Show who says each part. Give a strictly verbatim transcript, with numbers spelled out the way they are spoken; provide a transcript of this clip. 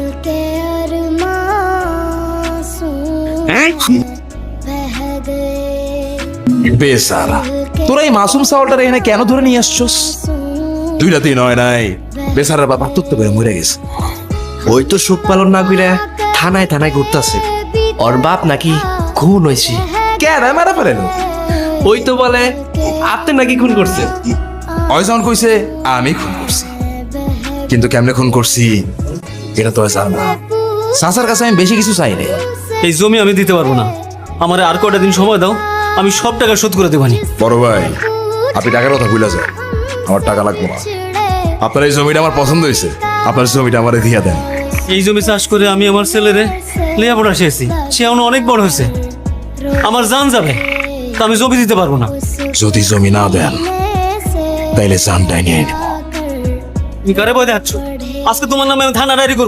Speaker 1: বেসারা, তোরা এই মাসুম সাওয়ালটারে এখানে কেন ধরে নিয়ে আসছস? দুই রাতেই নয় নাই, বেসারার বাপ আত্মহত্যা করে মরে গেছে।
Speaker 2: ওই তো সুখ পালন না কইরা থানায় থানায় ঘুরতাছে, ওর বাপ নাকি খুন হয়েছে।
Speaker 1: কেন মারা ফেলেন?
Speaker 2: ওই তো বলে আপনি নাকি খুন করছে।
Speaker 1: অয়জন কইছে আমি খুন করছি, কিন্তু কেমনে খুন করছি এটা তো জান না। সাসার কাছে আমি বেশি কিছু চাই নাই।
Speaker 3: এই জমি আমি দিতে পারবো না, আমার আর কয়টা দিন সময় দাও, আমি সব টাকা শোধ করে দেবানি।
Speaker 1: বড় ভাই, আপনি টাকার কথা ভুলে যান, আমার টাকা লাগবে না। আপনার এই জমিটা আমার পছন্দ হয়েছে, আপনার জমিটা আমারে দিয়ে দেন।
Speaker 3: এই জমি চাষ করে আমি আমার ছেলেরে লেখাপড়া শিখেছি, সে এখন অনেক বড় হয়েছে, আমার জান যাবে, তা আমি জমি দিতে পারবো না।
Speaker 1: যদি জমি না দেন তাইলে জানটাই নিয়ে নিব।
Speaker 3: তুমি কারে বই দেখাচ্ছ? আজকে তোমার নামে আমি থানা ডায়েরি করবো।